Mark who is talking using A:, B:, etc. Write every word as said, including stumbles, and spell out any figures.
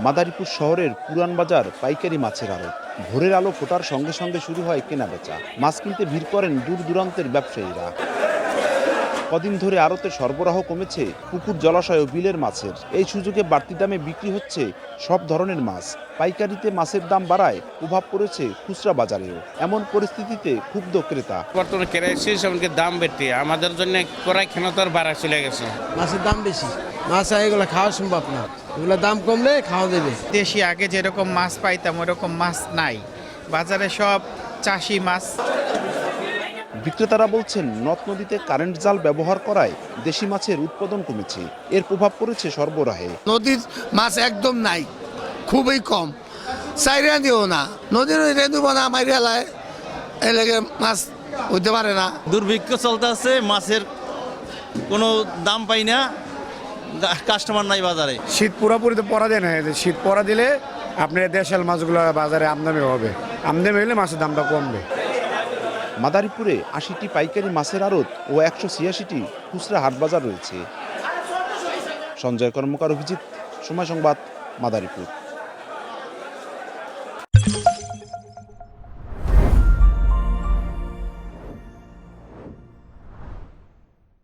A: মাদারীপুর শহরের পুরান বাজার পাইকারি মাছের আড়ত। ভোরের আলো ফোটার সঙ্গে সঙ্গে শুরু হয় কেনাবেচা। মাছ কিনতে ভিড় করেন দূর দূরান্তের ব্যবসায়ীরা। কদিন ধরে আড়তে সরবরাহ কমেছে পুকুর, জলাশয় ও বিলের মাছের। এই সুযোগে বাড়তি দামে বিক্রি হচ্ছে সব ধরনের মাছ। পাইকারিতে মাছের দাম বাড়ায় প্রভাব পড়েছে খুচরা বাজারেও। এমন পরিস্থিতিতে ক্ষুব্ধ ক্রেতা।
B: বর্তমানে ক্রাইসিস, এমনকি দাম বেশি, আমাদের জন্য ক্রয় ক্ষমতার বাড়া চলে গেছে।
C: মাছের দাম বেশি, মাছ এগুলো খাওয়া সম্ভব না, এগুলো দাম কমলে খাওয়া দেবে।
D: দেশি আগে যেরকম মাছ পাইতাম ওরকম মাছ নাই বাজারে, সব চাষি মাছ।
A: বিক্রেতারা বলছেন, নদ নদীতে কারেন্ট জাল ব্যবহার করায় দেশি মাছের উৎপাদন কমেছে। এর প্রভাব পড়েছে সরবরাহে।
E: নদীর মাছ একদম নাই, খুবই কম। চাইরা দিও না, নদীর রেঁধুব না মাইরালায়, এই লেগে মাছ হইতে পারে না।
F: দুর্ভিক্ষ চলতে আছে, মাছের কোনো দাম পাই না, কাস্টমার নাই বাজারে।
G: শীত পুরোপুরি তো পড়া যায় না, শীত পড়া দিলে আপনার দেশাল মাছগুলো বাজারে আমদানি হবে, আমদানি হলে মাছের দামটা কমবে।
A: মাদারীপুরে আশিটি পাইকারি মাছের আড়ত ও একশো ছিয়াশিটি খুচরা হাট বাজার রয়েছে। সঞ্জয় কর্মকার, অভিজিৎ, সময় সংবাদ, মাদারীপুর।